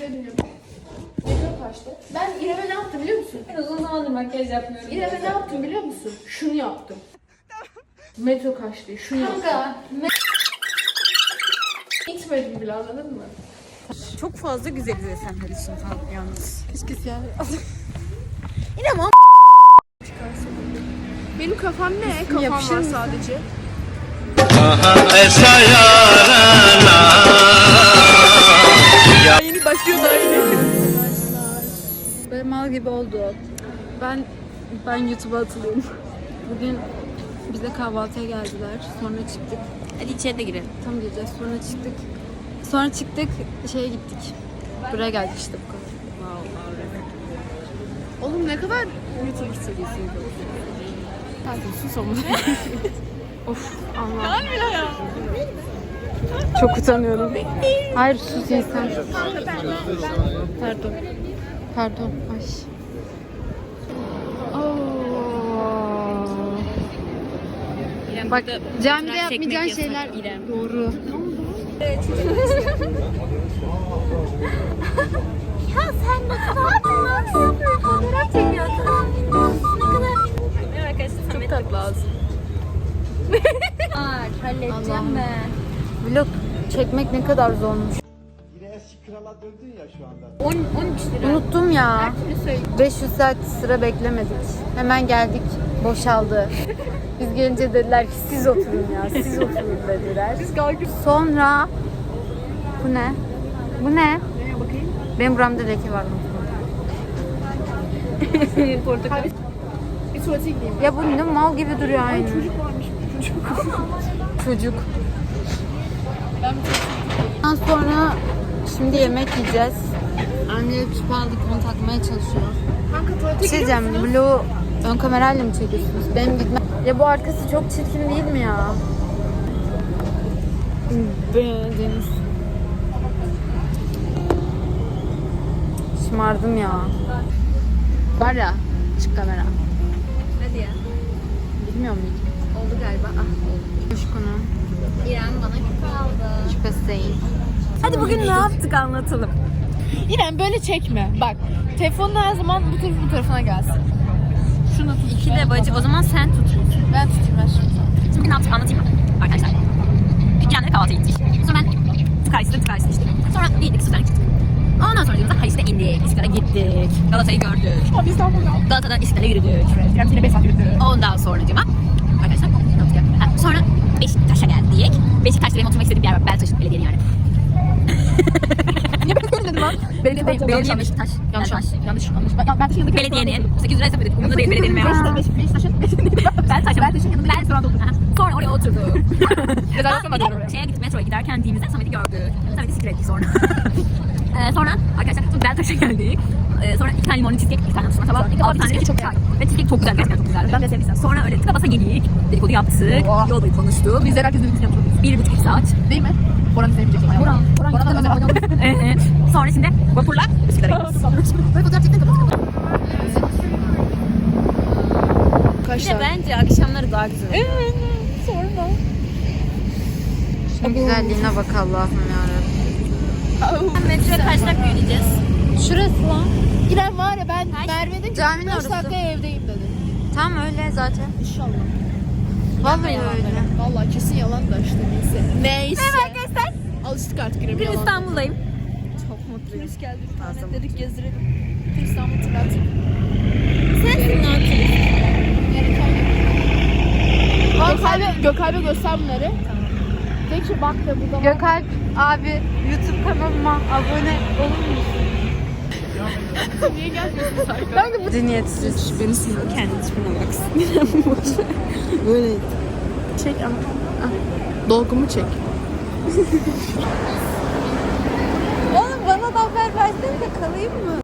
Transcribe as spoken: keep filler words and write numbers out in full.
şey diyeceğim. Metro kaçtı. Ben İrem'e ne yaptım biliyor musun? Ben uzun zamandır makyaj yapmıyorum. İrem'e ne yaptım biliyor musun? Şunu yaptım. Metro kaçtı. Şunu yaptım. Kanka. İtmedim bile, anladın mı? Çok fazla güzeliz Esenler için falan yalnız. Keşke siyah. Yine ama Benim kafam ne? Kafam yapışır var mısın? sadece. yeni başlıyor da yeni. Böyle mal gibi oldu. Ben ben YouTube'a atılıyorum. Bugün bize kahvaltıya geldiler. Sonra çıktık. Hadi içeri de girelim. Tam gireceğiz. Sonra çıktık. Sonra çıktık şeye gittik. Buraya geldik işte bu kadar. Oğlum ne kadar YouTube serisi. Hadi sus ama. Of Allah. Çok utanıyorum. Hayır sus insan. Pardon. Pardon. Ay. Bak camide yapmayacağın şeyler doğru. Ya sen ne kadar tatlısın. Fotoğraf çekiyorsun. Ne kadar... Merhaba arkadaşlar. Çok tatlı ağzın. Var. Halledeceğim ben. Vlog çekmek ne kadar zormuş. Yine eski krala döndün ya şu anda. on on üç lira. Unuttum ya. beş yüz saat sıra beklemedik. Hemen geldik. Boşaldı. Biz gelince dediler ki siz oturun ya. Siz oturun dediler. Sonra bu ne? Bu ne? Bakayım. Benim buramda leke var. Portakal. Bir tuvalete gideyim. Ya bu ne mal gibi duruyor aynı. Çocuk varmış. Çocuk. Çocuk. Ondan sonra şimdi yemek yiyeceğiz. Anne küp aldık, onu takmaya çalışıyor. Kanka tuvalete Bir şey gidiyor diyeceğim, Blue ön kamerayla mı çekiyorsunuz? Benim gitmem. Ya bu arkası çok çirkin değil mi ya? Deniz. Şımardım ya. Var ya, çık kamera. Hadi ya. Bilmiyor muyum? Oldu galiba. Ah oldu. Coşkun'un İrem bana küpe aldı. şüphesi değil. Hadi bugün ne yaptık anlatalım. İrem böyle çekme. Bak telefonun her zaman bu tarafı bu tarafına gelsin. Şunu tut. İki de bacı. O zaman sen tut. Ben tutayım ben şimdi. Şimdi bugün ne yaptık anlatayım mı? Arkadaşlar. Dükkanlara kahvaltıya gittik. Sonra ben tıkarsızlık tıkarsız içtik. Sonra gittik Suzan'a gittik. Ondan sonra yolumuza Haliç'te indik. İstiklal'e gittik. Galata'yı gördük. Abi İstanbul'da. Galata'da İstiklal'e yürüdük. İrem seni beş saat yürüdü. Ondan sonracıma arkadaşlar ne yaptık ya? Ha, sonra Beşiktaş'a geldik. Beşiktaş'ta benim oturmak istediğim bir yer var. Beltaş belediyenin yani. Niye ben öyle dedim lan? Belediye değil. Belediye Beşiktaş. Yanlış Beltaş. yanlış. Yanlış. Ben, ben taşın yanındaki Belediyenin sekiz lira hesap ödedik. Umurumda değil belediyenin memuru. Beşiktaş, Beşiktaş'ın Beltaş'a. Beltaş'ın yanında Ben sonra oturdum. Ha. Sonra oraya oturduk. Rezervasyon Ha, bir var de oraya. şeye gittik, metroya giderken Dimiz'de Samet'i gördük. Samet'i sikir ettik sonra. ee, sonra arkadaşlar Beltaş'a geldik. Ee, sonra iki tane limonlu cheesecake, iki tane mısırlı tabak, altı tane çok güzel. Ve cheesecake çok güzel, gerçekten çok güzel. Ben de sevmiştim. Sonra öyle tıka basa yedik. Dedikodu yaptık. Oh. Yol boyu konuştuk. Bizler herkes birbirini yapıyoruz. Bir buçuk iki saat. Değil mi? Boran izlemeyecek. Boran. Boran. Boran da özel oynadı. Evet. Sonra şimdi vapurla Üsküdar'a gidiyoruz. Böyle fotoğraf çekmek kapat kapat. Bir de bence akşamları daha güzel. Evet. Sorma. Şunun güzelliğine bak Allah'ım yarabbim. Metroya kaç dakika yürüyeceğiz? Şurası lan. İrem var ya ben Merve dedim ki Caminin beş orası. dakikaya evdeyim dedi. Tam öyle zaten. İnşallah. Vallahi öyle. Vallahi kesin yalan da işte neyse. Neyse. Merhaba arkadaşlar. Alıştık artık İrem'e Bugün yalan. İstanbul'dayım. Çok mutluyum. Hoş geldin. İnternet dedik gezdirelim. Bir İstanbul tırat. Sensin lan. Gökalp'e Gökalp'e göster bunları. Tek şey bak da burada var. Gökalp abi YouTube kanalıma abone olur musun? Niye gelmiyorsun Sarkan? Zihniyetsiz. Beni sinir. Kendi tipine baksın. Böyle. Çek ama. Dolgumu çek. Oğlum bana da haber versene de kalayım mı?